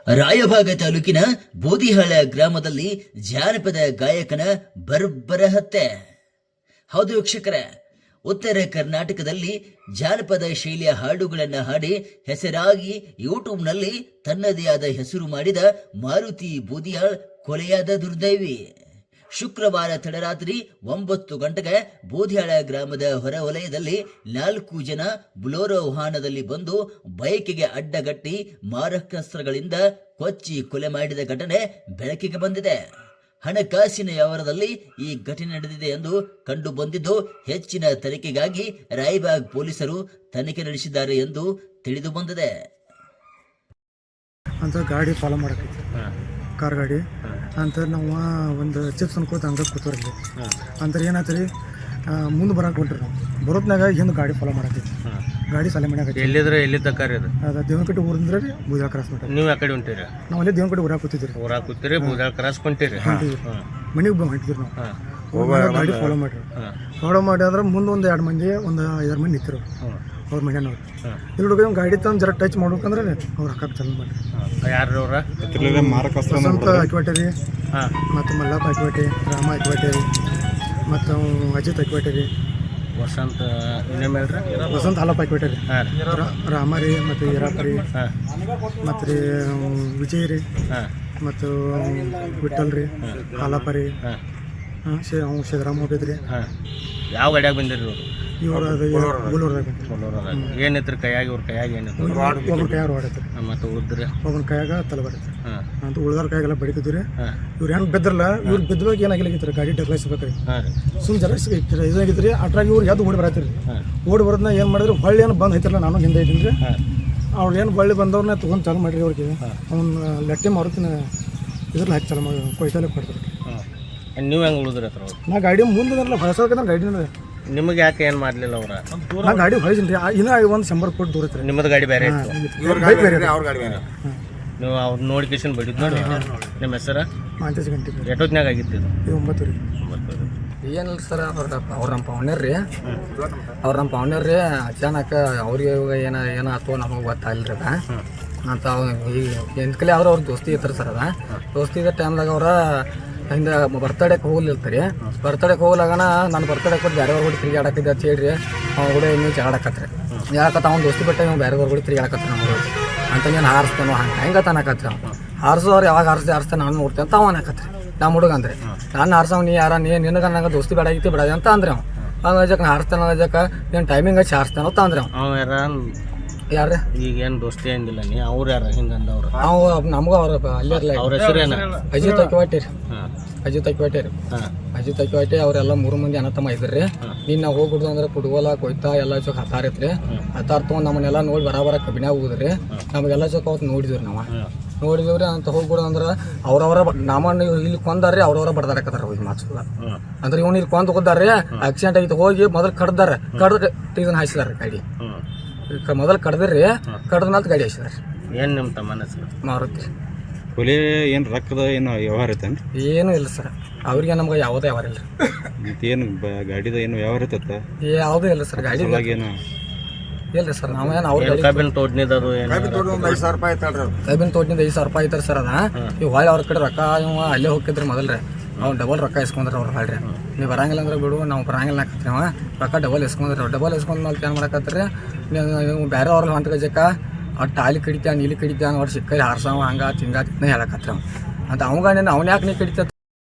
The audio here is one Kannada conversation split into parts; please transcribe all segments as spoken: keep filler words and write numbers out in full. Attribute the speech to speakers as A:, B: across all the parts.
A: ರಾಯಭಾಗ ತಾಲೂಕಿನ ಬೋದಿಹಾಳ ಗ್ರಾಮದಲ್ಲಿ ಜಾನಪದ ಗಾಯಕನ ಬರ್ಬರ ಹತ್ಯೆ. ಹೌದು ವೀಕ್ಷಕರೇ, ಉತ್ತರ ಕರ್ನಾಟಕದಲ್ಲಿ ಜಾನಪದ ಶೈಲಿಯ ಹಾಡುಗಳನ್ನು ಹಾಡಿ ಹೆಸರಾಗಿ ಯೂಟ್ಯೂಬ್ನಲ್ಲಿ ತನ್ನದೇ ಆದ ಹೆಸರು ಮಾಡಿದ ಮಾರುತಿ ಬೋದಿಹಾಳ್ ಕೊಲೆಯಾದ ದುರ್ದೈವಿ. ಶುಕ್ರವಾರ ತಡರಾತ್ರಿ ಒಂಬತ್ತು ಗಂಟೆಗೆ ಬೋದಿಹಾಳ ಗ್ರಾಮದ ಹೊರವಲಯದಲ್ಲಿ ನಾಲ್ಕು ಜನ ಬುಲೋರೋ ವಾಹನದಲ್ಲಿ ಬಂದು ಬೈಕಿಗೆ ಅಡ್ಡಗಟ್ಟಿ ಮಾರಕಾಸ್ತ್ರಗಳಿಂದ ಕೊಚ್ಚಿ ಕೊಲೆ ಮಾಡಿದ ಘಟನೆ ಬೆಳಕಿಗೆ ಬಂದಿದೆ. ಹಣಕಾಸಿನ ವ್ಯವಹಾರದಲ್ಲಿ ಈ ಘಟನೆ ನಡೆದಿದೆ ಎಂದು ಕಂಡು ಬಂದಿದ್ದು, ಹೆಚ್ಚಿನ ತನಿಖೆಗಾಗಿ ರಾಯಬಾಗ್ ಪೊಲೀಸರು ತನಿಖೆ ನಡೆಸಿದ್ದಾರೆ ಎಂದು ತಿಳಿದು ಬಂದಿದೆ.
B: ಅಂತ ಗಾಡಿ ಫಾಲೋ ಮಾಡಕೈತಿ, ಕಾರ್ ಗಾಡಿ ಅಂತ ನಾವು ಒಂದು ಚಿಪ್ಸ್ ಅನ್ಕೋತ ಹಂಗೆ ಕೂತವ್ರಲ್ಲಿ ಅಂತಾರೆ ಏನಾಯ್ತು ರೀ, ಮುಂದೆ ಬರಕ್ಕೆ ಹೊಂಟ್ರಿ ನಾವು ಬರೋತ್ನಾಗ ಹಿಂದೆ ಗಾಡಿ ಫಾಲೋ ಮಾಡಕೈತಿ. ಗಾಡಿ ಸಲ ಮಾಡ್ಯಾಕೈತಿ.
C: ಎಲ್ಲಿದ್ರೆ ಎಲ್ಲಿದ್ದ ಕಾರ್ ಇದು?
B: ಅದು ದೇವನಕಟ್ಟೆ ಊರಿಂದ ರೀ ಬೂದಾಳ ಕ್ರಾಸ್ ಮಾಡ್ರಿ.
C: ನೀವು ಆ ಕಡೆ ಹೊಂಟಿರಿ?
B: ನಾವು ಅಲ್ಲೇ ದೇವನಕಟ್ಟೆ ಊರಾಗ ಕೂತಿದ್ರಿ.
C: ಊರಾಗ ಕೂತಿರಿ, ಬೂದಾಳ ಕ್ರಾಸ್ ಕೊಂಟಿರಿ.
B: ಮನೆಗೆ ಬಂದು ಹೊಂಟಿದ್ರಿ ನಾವು. ಗಾಡಿ ಫಾಲೋ ಮಾಡ್ರಿ. ಫಾಲೋ ಮಾಡಿ ಅಂದ್ರೆ ಮುಂದೆ ಒಂದು ಎರಡು ಮಂದಿ ಒಂದು ಐದಾರು ಮಂದಿ ನಿಂತಿರು ಅವ್ರ ಮನೆಯವ್ರು. ಇಲ್ಲಿ ಹುಡುಗ ಗಾಡಿ ತಂದು ಜರ ಟಚ್ ಮಾಡ್ಬೇಕಂದ್ರೆ ಅವ್ರು ಹಾಕಕ್ಕೆ ಚಾಲು ಮಾಡ್ರಿ.
C: ಯಾರು ಅವ್ರ?
B: ವಸಂತ ಹಾಕಿಬಿಟ್ಟೆ ರೀ, ಮತ್ತು ಮಲ್ಲಪ್ಪ ಹಾಕಿಬಿಟ್ಟೆ, ರಾಮ ಹಾಕಿಬಿಟ್ಟೆ ರೀ, ಮತ್ತು ಅಜಿತ್ ಹಾಕಿಬಿಟ್ಟೆ ರೀ.
C: ವಸಂತ ಇನ್ನೇನು ಹೇಳ್ರಿ?
B: ವಸಂತ ಹಾಲಪ್ಪ ಹಾಕಿಬಿಟ್ಟೆ ರೀ, ರಾಮ ರೀ, ಮತ್ತು ಈರಪ್ಪ ರೀ, ಮತ್ತು ರೀ ವಿಜಯ್ ರೀ, ಮತ್ತು ವಿಠಲ್ ರೀ, ಹಾಲಪ್ಪ ರೀ, ಹಾಂ ಶೇ ಅವ್ನು ಸಿದ್ದರಾಮ ಹೋಗಿದ್ರಿ.
C: ಯಾವ ಗಾಡಿಯಾಗ ಬಂದಿರಿ
B: ಇವರು? ಅದು ಬುಲೋರ್ದಾಗ ಬಂದ್ರಿ.
C: ಏನಿತ್ತು ಕೈಯಾಗಿ? ಇವ್ರ ಕೈಯಾಗ ಏನಿತ್ತು?
B: ಒಬ್ಬನ ಕೈಯಾಗ ಹೊಡೈತ್ರಿ,
C: ಮತ್ತು ಉಳಿದ್ರಿ
B: ಒಬ್ಬನ ಕೈಯಾಗ ತಲೆ ಬಡೈತ್ರಿ ಅಂತ. ಉಳ್ದಾರ ಕೈಯಾಗೆಲ್ಲ ಬಡಿತಿದ್ರಿ. ಇವ್ರು ಹೆಂಗೆ ಬಿದ್ರಲ್ಲ, ಇವ್ರು ಬಿದ್ದವಾಗ ಏನಾಗಿಲ್ಲ, ಗಾಡಿ ಡಗ್ಲಾಯಿಸ್ಬೇಕ್ರಿ. ಸುಮ್ಮನೆ ಜರ ಇದಾಗಿದ್ರಿ. ಅಟ್ರಾಗಿ ಇವ್ರು ಯಾವ್ದು ಓಡಿ ಬರತ್ತೀರಿ. ಓಡಿ ಬರೋದನ್ನ ಏನು ಮಾಡಿದ್ರು, ಹೊಳ್ಳಿ ಏನು ಬಂದು ಐತಿರಲ್ಲ, ನಾನು ಹಿಂದೆ ಇದ್ದೀನಿ ರೀ. ಅವ್ರು ಏನು ಹೊಳ್ಳಿ ಬಂದವ್ರನ್ನ ತೊಗೊಂಡು ಚಾಲು ಮಾಡಿರಿ. ಅವ್ರಿಗೆ ಅವ್ನ ಲೆಟ್ಟೆ ಮಾರುತಿನ ಇದ್ರಲ್ಲಿ ಹಾಕಿ ಚಾಲು ಮಾಡಿ ಕೊಯ್ತಾಲೆ ಕೊಡ್ತಾರೆ.
C: ನೀವು ಹೆಂಗೆ ಉಳಿದ್ರಿ ಹತ್ರ?
B: ನಾ ಗಾಡಿ ಮುಂದೆ ಹೊಸಕಂದ್ರೆ ಗಾಡಿ
C: ನಿಮಗೆ ಯಾಕೆ ಏನು ಮಾಡಲಿಲ್ಲ ಅವ್ರ?
B: ನಾ ಗಾಡಿ ಹೊಳಿಸಿನಿ ರೀ. ಇನ್ನೂ ಒಂದು ಶಂಬರ್ ಕೋಟಿ ದೂರ ಐತ್ರಿ.
C: ನಿಮ್ಮದು ಗಾಡಿ ಬೇರೆ ಇತ್ತು?
B: ಬೈಕ್ ಬೇರೆ.
C: ನೀವು ಅವ್ರು ನೋಡಿ ಕಿಶನ್ ಬಡಿದ್ ನೋಡಿ. ನಿಮ್ಮ ಹೆಸರ?
B: ಮಾಂತೇಶ್ ಗಂಟೆ.
C: ಎಷ್ಟೊತ್ತಿನಾಗ ಆಗಿತ್ತು ಇದು?
B: ಇದು ಒಂಬತ್ತು ರೀ.
D: ಏನಿಲ್ಲ ಸರ್, ಅವ್ರ ಅವ್ರ ನಮ್ಮ ಪವನ್ಯರ್ ರೀ, ಅವ್ರ ನಮ್ಮ ಪವನ್ಯರ್ ರೀ. ಅಚಾನಕ ಅವ್ರಿಗೆ ಇವಾಗ ಏನ ಏನಾಯ್ತು ನಮಗೆ ಗೊತ್ತಾಗಿಲ್ಲ ರೀ. ಅದ ಅಂತ ಈಗ ಎಂಟ್ಕಲೆ ಅವ್ರು ಅವ್ರ ದೋಸ್ತಿ ಇರ್ತಾರೆ ಸರ್. ಅದ ದೋಸ್ತಿ ಇದ್ದ ಟೈಮ್ದಾಗ ಅವ್ರ ಹಿಂದೆ ಬರ್ತಡೇಗೆ ಹೋಗ್ಲಿರ್ತಾರೆ. ಬರ್ತಡೇಗೆ ಹೋಗ್ಲಾಗನ ನಾನು ಬರ್ತಡೇ ಕೊಟ್ಟು ಬೇರೆಯವ್ರ ಕೂಡ ತಿರುಗಾಡಕ್ಕಿದ್ದೆ ಅಂತ ಹೇಳ್ರಿ. ಅವ್ನು ಕೂಡ ಇನ್ನೂ ಜಗಾಡಕತ್ರಿ. ಯಾಕತ್ತ ಅವ್ನು ದೋಸ್ತಿ ಬಿಟ್ಟೆ ನೀವು ಬೇರೆಯವ್ರ ಕೂಡ ತಿರುಗಾಡಕತ್ರಿ ನಮ್ಗೆ ಅಂತ. ನೀನು ಹಾರಿಸ್ತಾನೋ ಹಂಗೆ ಹೆಂಗೆ ತಾನಕತ್ರಿ. ಅವ್ನು ಹಾರಿಸೋರು ಯಾವಾಗ ಹಾರಿಸ್ದೆ ಹಾರಿಸ್ತಾನೆ ನಾನು ನೋಡ್ತೇನೆ ಅಂತ ಅವನು ಹಾಕತ್ರಿ. ನಮ್ಮ ಹುಡುಗ ಅಂದ್ರೆ ನಾನು ಹಾರ್ಸವ್ ನೀ ಯಾರ ನೀ ನಿನಗೆ ನಂಗೆ ದೋಸ್ತಿ ಬೇಡ ಆಗಿತ್ತು ಬಿಡೋದು ಅಂತ ಅಂದ್ರೆ ಅವ್ನು. ಹಂಗೆ ಅಜಕ್ಕೆ ಹಾರಿಸ್ತಾನ ಅಜಕ್ಕೆ ಏನು ಟೈಮಿಂಗ್ ಹಚ್ಚಿ ಹಾರಿಸ್ತಾನೋ ಅಂತ ಅಂದ್ರೆ
C: ಅವ್ನು ಯಾರ
D: ಯಾರು
C: ಈಗ ಏನು ದೋಸ್ತಿ ಏನಿಲ್ಲ ನೀ ಅವ್ರು ಯಾರ ಹಿಂಗಂದವ್ರು?
D: ನಾವು ನಮಗೂ ಅವ್ರ ಅಲ್ಲೇ ಇರಲ್ಲ.
C: ಅವ್ರ ಹೆಸರು ಏನ?
D: ಅಜಿತ್ ಅಕ್ಕಿವಾಟಿ ರೀ. ಅಜಿತ್ ಅಕ್ಕಿವಾಟಿ ರೀ. ಅಜಿತ್ ಅಕ್ಕಿವಾಟಿ ಅವರೆಲ್ಲ ಮೂರು ಮಂದಿ ಅಣ್ಣ ತಮ್ಮ ಇದ್ರಿ. ನೀನು ನಾವು ಹೋಗ್ಬಿಡ್ದು ಅಂದ್ರೆ ಫುಟ್ಬಾಲ ಕೊಯ್ತಾ ಎಲ್ಲ ಚೊಕ್ ಹತ್ತಾರೈತ್ರಿ. ಹತ್ತಾರ ತೊಗೊಂಡು ನಮ್ಮನ್ನೆಲ್ಲ ನೋಡಿ ಬರಾಬರ ಕಬ್ಬಿನಾಗ ಹೋಗುದ್ರಿ. ನಮಗೆಲ್ಲ ಚೊಕ್ ಅವತ್ತು ನೋಡಿದ್ವಿ ನಾವು ನೋಡಿದವ್ರಿ ಅಂತ ಹೋಗ್ಬಿಡೋದು ಅಂದ್ರೆ ಅವ್ರವರ ನಮ್ಮನ್ನು ಇಲ್ಲಿ ಕೊಂದಾರ್ರಿ, ಅವ್ರವರ ಬಡ್ದಾಡಕತ್ತಾರ ಹೋಗಿ ಮಾರ್ಸಲ್ಲ ಅಂದ್ರೆ ಇವ್ನು ಇಲ್ಲಿ ಕೊಂದು ಹೋದಾರ್ರಿ. ಆಕ್ಸಿಡೆಂಟ್ ಆಗಿತ್ತು, ಹೋಗಿ ಮೊದಲು ಕಡ್ದಾರ, ಕಡ್ದು ಇದನ್ನ ಹಾಯಿಸಿದಾರೆ ಗಾಡಿ. ಮೊದಲು ಕಡ್ದ್ರಿ, ಕಡ್ದ ಮೇಲೆ ಗಾಡಿ ಹಾಯಿಸಿದಾರೆ.
C: ಏನು ನಿಮ್ಮ ತಮ್ಮನ ಹೆಸರು?
D: ಮಾರುತಿ.
E: ಕೊಲೆ ಏನು ರೊಕ್ಕದ ಏನು ವ್ಯವಹಾರ ಐತೇನು?
D: ಏನೂ ಇಲ್ಲ ಸರ್, ಅವ್ರಿಗೆ ನಮ್ಗೆ ಯಾವುದೇ ವ್ಯವಹಾರ ಇಲ್ಲ.
E: ಏನು ಗಾಡಿದ ಏನು ವ್ಯವಹಾರ ಐತತ್ತ?
D: ಯಾವುದೂ ಇಲ್ಲ ಸರ್. ಗಾಡಿ
E: ಏನು
D: ಇಲ್ಲ ಸರ್. ನಾವೇನು ಅವ್ರ
C: ಕಬ್ಬಿನ ತೋಟನಿದ್ದು
D: ಕೈಬಿನ ತೋಟದಿಂದ ಐದು ಸಾವಿರ ರೂಪಾಯಿ ಐತಾರೆ ಸರ್. ಅದ ಇವು ಹೊಳ್ಳಿ ಅವ್ರ ಕಡೆ ರೊಕ್ಕ ಇವ ಅಲ್ಲೇ ಹೋಗಿದ್ರಿ ಮೊದಲ್ರಿ. ಅವ್ನು ಡಬಲ್ ರೊಕ್ಕ ಇಸ್ಕೊಂಡ್ರಿ ಅವ್ರು. ಹೊಳ್ರಿ ನೀವು ಬರಂಗಿಲ್ಲ ಅಂದ್ರೆ ಬಿಡು, ನಾವು ಬರಂಗಿಲ್ಲ ಹಾಕತ್ರಿ. ಅವ ರೊಕ್ಕ ಡಬಲ್ ಇಸ್ಕೊಂಡ್ರಿ. ಡಬಲ್ ಇಸ್ಕೊಂಡ್ ಮೇಲೆ ಏನು ಮಾಡಕತ್ರಿ, ನೀವು ಬೇರೆ ಅವ್ರಲ್ಲಿ ಹೊಂಟ ಗಜಕ್ಕ ಒಟ್ಟು ಆಲಿ ಕಡಿತ ನೀಲಿ ಕಡಿತ ಒಟ್ಟು ಸಿಕ್ಕರಿ ಹಾರ್ಸವ ಹಂಗ ತಿಂಗ ತಿನ್ನ ಹೇಳಕತ್ರಿ ಅವ ಅಂತ. ಅವಂಗ ನೀನು ಅವ್ನ ಯಾಕೆ ನೀ ಕಡಿತ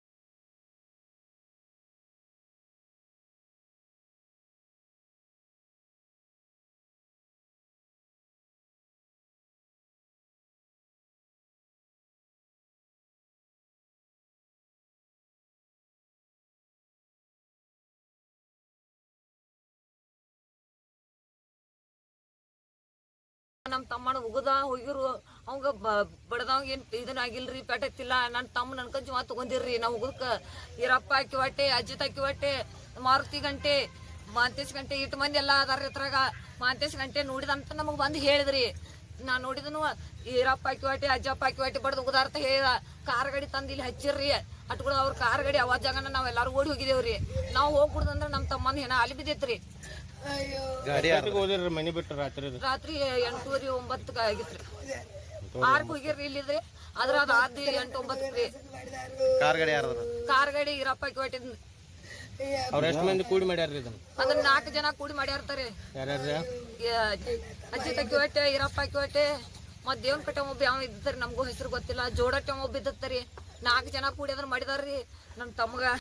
F: ನಮ್ಮ ತಮ್ಮನ ಉಗದ ಹೋಗಿರು. ಅವಂಗ ಬಡದವಂಗ ಏನ್ ಇದನ್ನ ಆಗಿಲ್ರಿ, ಪೆಟ್ಟತ್ತಿಲ್ಲ. ನನ್ನ ತಮ್ಮ ನನ್ಕ ಜೀವ ತಗೊಂಡಿರ್ರಿ. ನಾವು ಉಗದಕ್ಕ ಈರಪ್ಪ ಹಾಕಿ ಹೊಟ್ಟೆ, ಅಜ್ಜಿತ್ ಹಾಕಿ ಹೊಟ್ಟೆ, ಮಾರುತಿ ಗಂಟೆ, ಮಾಂತೇಶ್ ಗಂಟೆ ಇಟ್ಟು ಮಂದಿ ಎಲ್ಲ ಅದಾರ ಇದ್ರಾಗ. ಮಾಂತೇಶ್ ಗಂಟೆ ನೋಡಿದಂತ ನಮಗ್ ಬಂದು ಹೇಳಿದ್ರಿ. ನಾ ನೋಡಿದನು ಈರಪ್ಪ ಹಾಕಿ ಹೊಟ್ಟೆ, ಅಜ್ಜಪ್ಪ ಹಾಕಿ ಹೊಟ್ಟೆ ಬಡ್ದು ಉಗದಾರ್ಥ ಹೇಳಿದ. ಕಾರ್ ಗಾಡಿ ತಂದು ಇಲ್ಲಿ ಹಚ್ಚಿರ್ರಿ. ಅಟ್ಗಳು ಅವ್ರ ಕಾರ್ ಗಾಡಿ ಅವಾಜ್ ಜಾಗನ ನಾವ್ ಎಲ್ಲಾರು ಓಡಿ ಹೋಗಿದೇವ್ರಿ. ನಾವು ಹೋಗ್ಬಿಡುದಂದ್ರ ನಮ್ಮ ತಮ್ಮನ ಏನ ಅಲ್ಲಿ ಬಿದ್ದೈತ್ರಿ.
C: ಮನಿ ಬಿಟ್ಟು ರಾತ್ರಿ
F: ರಾತ್ರಿ ಎಂಟೂವರೆ ಒಂಬತ್ತಕ್ಕೆ ಆಗಿತ್ರಿ. ಆರ್ಕ್ ಹೋಗಿರ್ರಿ ಇಲ್ಲಿದ್ರಿ ಅದ್ರ ಅದು ಆದ್ ಎಂಟು ಒಂಬತ್ತು ರೀ
C: ಕಾರ್ ಗಾಡಿ ಯಾರ್ದು
F: ಕಾರ್ ಗಾಡಿ ಇರಪ್ಪ ಕಿವಟ್ಟಿದ್
C: ಅವ್ರು ಎಷ್ಟು ಮಂದಿ ಕೂಡಿ ಮಾಡ್ಯಾರ್ರಿ ಇದನ್ನ
F: ಅದನ್ನ ನಾಲ್ಕು ಜನ ಕೂಡಿ ಮಾಡ್ಯಾರ್ತಾರೆ
C: ಯಾರ್ಯಾರ
F: ಅಜ್ಜಿ ತಕ್ಕಿವಟ್ಟೆ ಇರಪ್ಪ ಕಿವಟ್ಟೆ ಮತ್ ದೇವನ್ ಕಟ್ಟೆ ಒಬ್ಬ ಯಾವ ಇದ್ದರಿ ನಮಗೂ ಹೆಸರು ಗೊತ್ತಿಲ್ಲ ಜೋಡಟ್ಟೆ ಒಬ್ಬ ಇದ್ದತ್ತರಿ ನಾಲ್ಕು ಜನ ಕೂಡಿ ಅದನ್ನ ಮಾಡಿದಾರ್ರಿ ನಮ್ ತಮ್ಗ